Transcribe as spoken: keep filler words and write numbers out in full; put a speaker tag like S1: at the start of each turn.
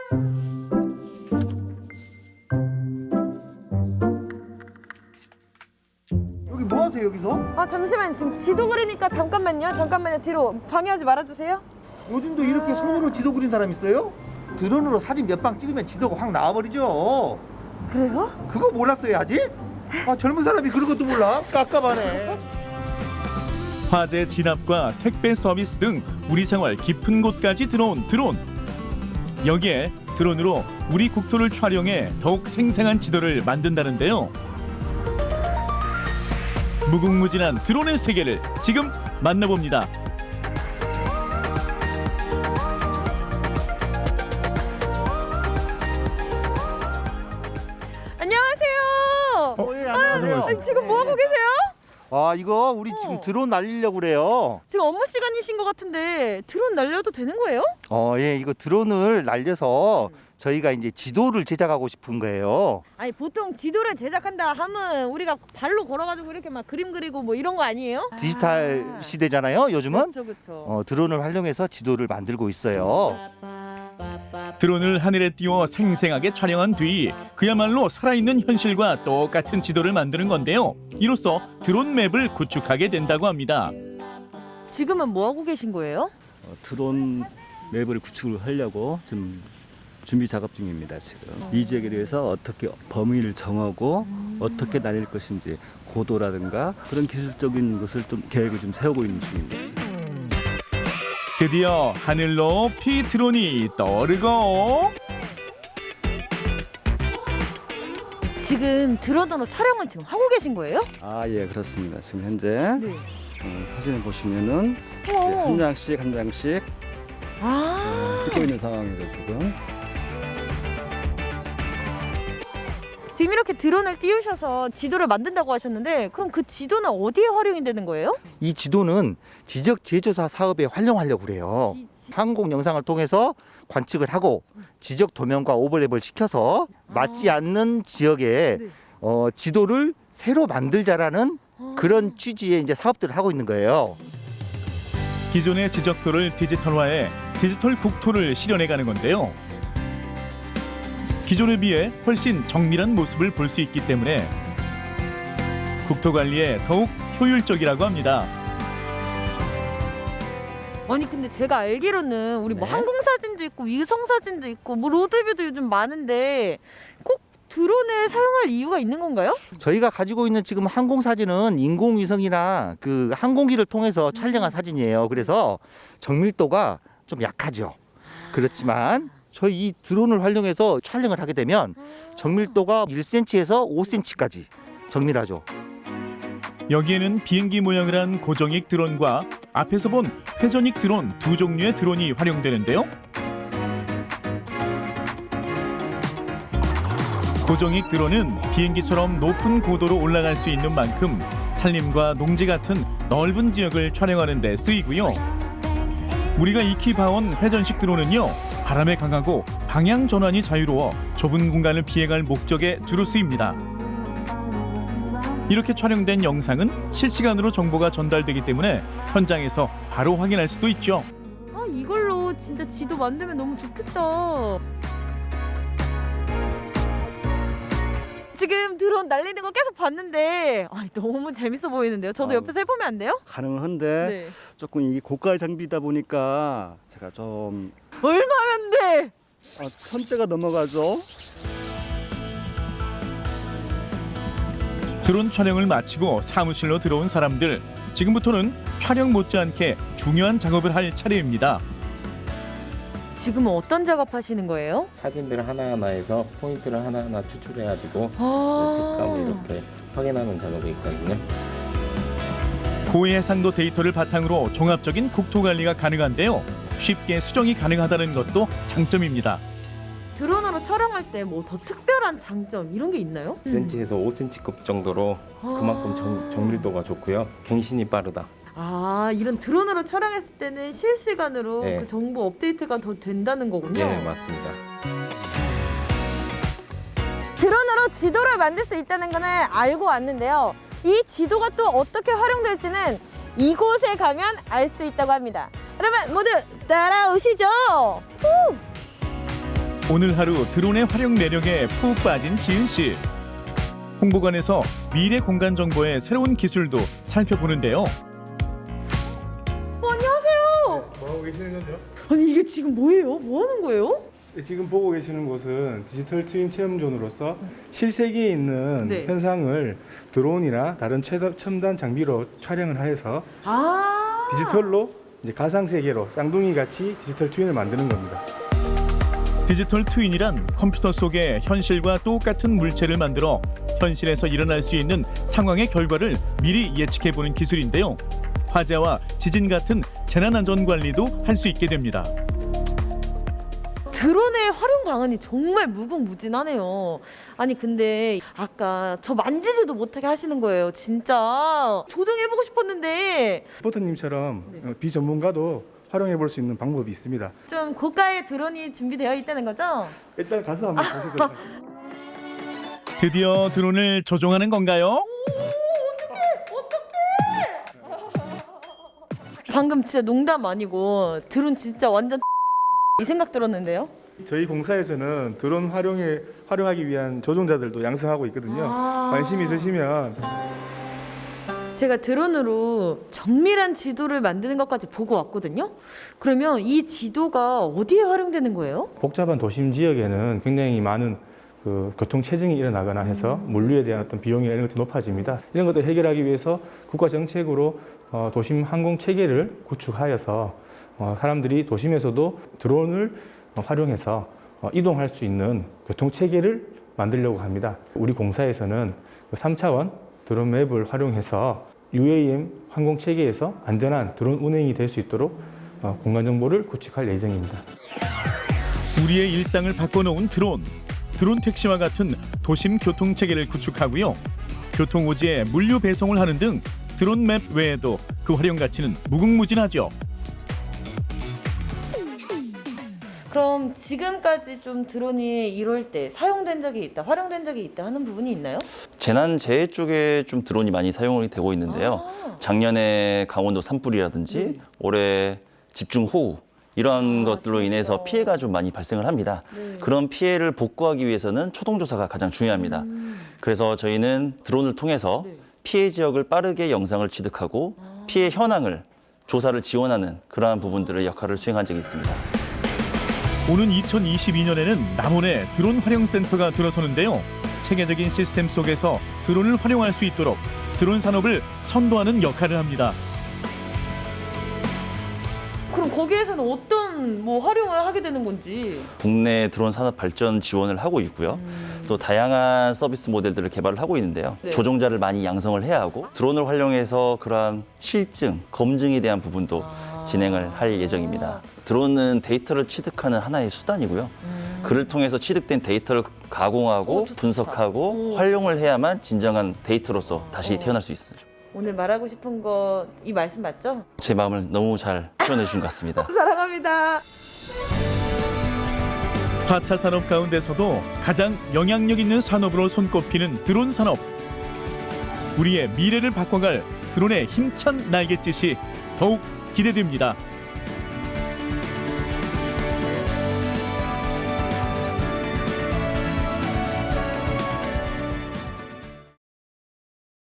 S1: 여기 뭐 하세요, 여기서?
S2: 아 잠시만, 지금 지도 그리니까 잠깐만요. 잠깐만요. 뒤로 방해하지 말아주세요.
S1: 요즘도 이렇게 손으로 지도 그린 사람 있어요? 드론으로 사진 몇 방 찍으면 지도가 확 나와버리죠.
S2: 그래요?
S1: 그거 몰랐어요, 아직? 아, 젊은 사람이 그런 것도 몰라? 깝깝하네.
S3: 화재 진압과 택배 서비스 등 우리 생활 깊은 곳까지 들어온 드론. 여기에 드론으로 우리 국토를 촬영해 더욱 생생한 지도를 만든다는데요. 무궁무진한 드론의 세계를 지금 만나봅니다.
S2: 안녕하세요.
S1: 어, 예, 안녕하세요.
S2: 아니, 지금 뭐 하고 계세요?
S1: 아, 이거 우리 지금 드론 날리려고 그래요.
S2: 지금 업무 시간이신 것 같은데 드론 날려도 되는 거예요?
S1: 어, 예, 이거 드론을 날려서 저희가 이제 지도를 제작하고 싶은 거예요.
S2: 아니 보통 지도를 제작한다 하면 우리가 발로 걸어가지고 이렇게 막 그림 그리고 뭐 이런 거 아니에요?
S1: 디지털 시대잖아요, 요즘은.
S2: 그렇죠, 그렇죠.
S1: 어, 드론을 활용해서 지도를 만들고 있어요.
S3: 드론을 하늘에 띄워 생생하게 촬영한 뒤 그야말로 살아있는 현실과 똑같은 지도를 만드는 건데요. 이로써 드론 맵을 구축하게 된다고 합니다.
S2: 지금은 뭐 하고 계신 거예요?
S4: 어, 드론 맵을 구축을 하려고 좀 준비 작업 중입니다. 지금 이 지역에 대해서 어떻게 범위를 정하고 어떻게 날릴 것인지 고도라든가 그런 기술적인 것을 좀 계획을 좀 세우고 있는 중입니다.
S3: 드디어 하늘 높이 드론이 떠오르고
S2: 지금 드론으로 촬영을 지금 하고 계신 거예요?
S4: 아, 예, 그렇습니다. 지금 현재
S2: 네.
S4: 어, 사진을 보시면은 이제
S2: 어.
S4: 한 장씩 한 장씩
S2: 아.
S4: 어, 찍고 있는 상황이죠 지금.
S2: 지금 이렇게 드론을 띄우셔서 지도를 만든다고 하셨는데 그럼 그 지도는 어디에 활용이 되는 거예요?
S1: 이 지도는 지적 제조사 사업에 활용하려고 그래요. 항공 영상을 통해서 관측을 하고 지적 도면과 오버랩을 시켜서 맞지 않는 지역에
S2: 네.
S1: 어, 지도를 새로 만들자라는 그런 취지의 이제 사업들을 하고 있는 거예요.
S3: 기존의 지적도를 디지털화해 디지털 국토를 실현해가는 건데요. 기존에 비해 훨씬 정밀한 모습을 볼 수 있기 때문에 국토 관리에 더욱 효율적이라고 합니다.
S2: 아니 근데 제가 알기로는 우리 뭐
S1: 네.
S2: 항공 사진도 있고 위성 사진도 있고 뭐 로드뷰도 요즘 많은데 꼭 드론을 사용할 이유가 있는 건가요?
S1: 저희가 가지고 있는 지금 항공 사진은 인공위성이나 그 항공기를 통해서 촬영한 사진이에요. 그래서 정밀도가 좀 약하죠. 그렇지만 저희 이 드론을 활용해서 촬영을 하게 되면 정밀도가 일 센티미터에서 오 센티미터까지 정밀하죠.
S3: 여기에는 비행기 모양을 한 고정익 드론과 앞에서 본 회전익 드론 두 종류의 드론이 활용되는데요. 고정익 드론은 비행기처럼 높은 고도로 올라갈 수 있는 만큼 산림과 농지 같은 넓은 지역을 촬영하는 데 쓰이고요. 우리가 익히 봐온 회전식 드론은요. 바람에 강하고 방향 전환이 자유로워 좁은 공간을 비행할 목적에 주로 쓰입니다. 이렇게 촬영된 영상은 실시간으로 정보가 전달되기 때문에 현장에서 바로 확인할 수도 있죠.
S2: 아 이걸로 진짜 지도 만들면 너무 좋겠다. 지금 드론 날리는 거 계속 봤는데 아, 너무 재밌어 보이는데요. 저도
S4: 아,
S2: 옆에서 해보면 안 돼요?
S4: 가능은 한데
S2: 네.
S4: 조금 이게 고가의 장비다 보니까 제가 좀
S2: 얼마면 돼?
S4: 아, 천대가 넘어가죠.
S3: 드론 촬영을 마치고 사무실로 들어온 사람들. 지금부터는 촬영 못지않게 중요한 작업을 할 차례입니다.
S2: 지금은 어떤 작업하시는 거예요?
S5: 사진들 하나하나에서 포인트를 하나하나 추출해가지고
S2: 아.
S5: 색감을 이렇게 확인하는 작업이 있거든요.
S3: 고해상도 데이터를 바탕으로 종합적인 국토 관리가 가능한데요. 쉽게 수정이 가능하다는 것도 장점입니다.
S2: 드론으로 촬영할 때 뭐 더 특별한 장점 이런 게 있나요?
S5: 일 센티미터에서 오 센티미터급 정도로 그만큼 정, 정밀도가 좋고요. 갱신이 빠르다.
S2: 아 이런 드론으로 촬영했을 때는 실시간으로
S5: 네.
S2: 그 정보 업데이트가 더 된다는 거군요.
S5: 예, 맞습니다.
S2: 드론으로 지도를 만들 수 있다는 거는 알고 왔는데요. 이 지도가 또 어떻게 활용될지는 이곳에 가면 알 수 있다고 합니다. 여러분 모두 따라오시죠. 후!
S3: 오늘 하루 드론의 활용 매력에 푹 빠진 지은 씨. 홍보관에서 미래 공간 정보의 새로운 기술도 살펴보는데요.
S2: 어, 안녕하세요.
S6: 뭐 하고 계시는 거죠?
S2: 아니 이게 지금 뭐예요? 뭐 하는 거예요?
S6: 지금 보고 계시는 곳은 디지털 트윈 체험존으로서 실세계에 있는
S2: 네.
S6: 현상을 드론이나 다른 최다- 첨단 장비로 촬영을 하여서
S2: 아
S6: 디지털로 이제 가상 세계로 쌍둥이 같이 디지털 트윈을 만드는 겁니다.
S3: 디지털 트윈이란 컴퓨터 속에 현실과 똑같은 물체를 만들어 현실에서 일어날 수 있는 상황의 결과를 미리 예측해보는 기술인데요. 화재와 지진 같은 재난안전 관리도 할 수 있게 됩니다.
S2: 드론의 활용 방안이 정말 무궁무진하네요. 아니 근데 아까 저 만지지도 못하게 하시는 거예요. 진짜 조정해보고 싶었는데
S6: 포터님처럼 어, 비전문가도 활용해 볼 수 있는 방법이 있습니다.
S2: 좀 고가의 드론이 준비되어 있다는 거죠?
S6: 일단 가서 한번 보시도록 하겠습니다.
S3: 드디어 드론을 조종하는 건가요?
S2: 방금 진짜 농담 아니고 드론 진짜 완전 이 생각 들었는데요.
S6: 저희 공사에서는 드론 활용에 활용하기 위한 조종자들도 양성하고 있거든요.
S2: 아.
S6: 관심 있으시면
S2: 제가 드론으로 정밀한 지도를 만드는 것까지 보고 왔거든요. 그러면 이 지도가 어디에 활용되는 거예요?
S6: 복잡한 도심 지역에는 굉장히 많은 그 교통 체증이 일어나거나 해서 물류에 대한 어떤 비용이 이런 것들이 높아집니다. 이런 것들을 해결하기 위해서 국가 정책으로 어, 도심 항공 체계를 구축하여서 어, 사람들이 도심에서도 드론을 어, 활용해서 어, 이동할 수 있는 교통 체계를 만들려고 합니다. 우리 공사에서는 그 삼 차원 드론 맵을 활용해서 유에이엠 항공 체계에서 안전한 드론 운행이 될 수 있도록 어, 공간 정보를 구축할 예정입니다.
S3: 우리의 일상을 바꿔놓은 드론. 드론 택시와 같은 도심 교통 체계를 구축하고요. 교통 오지에 물류 배송을 하는 등 드론 맵 외에도 그 활용 가치는 무궁무진하죠.
S2: 그럼 지금까지 좀 드론이 이럴 때 사용된 적이 있다, 활용된 적이 있다 하는 부분이 있나요?
S7: 재난재해 쪽에 좀 드론이 많이 사용이 되고 있는데요.
S2: 아.
S7: 작년에 강원도 산불이라든지
S2: 네.
S7: 올해 집중호우 이런
S2: 아,
S7: 것들로 인해서
S2: 진짜.
S7: 피해가 좀 많이 발생을 합니다.
S2: 네.
S7: 그런 피해를 복구하기 위해서는 초동조사가 가장 중요합니다.
S2: 음.
S7: 그래서 저희는 드론을 통해서
S2: 네.
S7: 피해 지역을 빠르게 영상을 취득하고
S2: 아.
S7: 피해 현황을 조사를 지원하는 그러한 부분들의 역할을 수행한 적이 있습니다.
S3: 오는 이천이십이 년에는 남원에 드론 활용 센터가 들어서는데요. 체계적인 시스템 속에서 드론을 활용할 수 있도록 드론 산업을 선도하는 역할을 합니다.
S2: 그럼 거기에서는 어떤 뭐 활용을 하게 되는 건지.
S7: 국내 드론 산업 발전 지원을 하고 있고요.
S2: 음.
S7: 또 다양한 서비스 모델들을 개발을 하고 있는데요.
S2: 네.
S7: 조종자를 많이 양성을 해야 하고 드론을 활용해서 그러한 실증, 검증에 대한 부분도
S2: 아.
S7: 진행을 할 예정입니다. 드론은 데이터를 취득하는 하나의 수단이고요.
S2: 음.
S7: 그를 통해서 취득된 데이터를 가공하고
S2: 오, 좋다,
S7: 분석하고
S2: 좋다. 오.
S7: 활용을 해야만 진정한 데이터로서 다시
S2: 어.
S7: 태어날 수 있어요.
S2: 오늘 말하고 싶은 거 이 말씀 맞죠?
S7: 제 마음을 너무 잘 표현해 주신 것 같습니다.
S2: 사랑합니다.
S3: 사 차 산업 가운데서도 가장 영향력 있는 산업으로 손꼽히는 드론 산업. 우리의 미래를 바꿔갈 드론의 힘찬 날갯짓이 더욱 기대됩니다.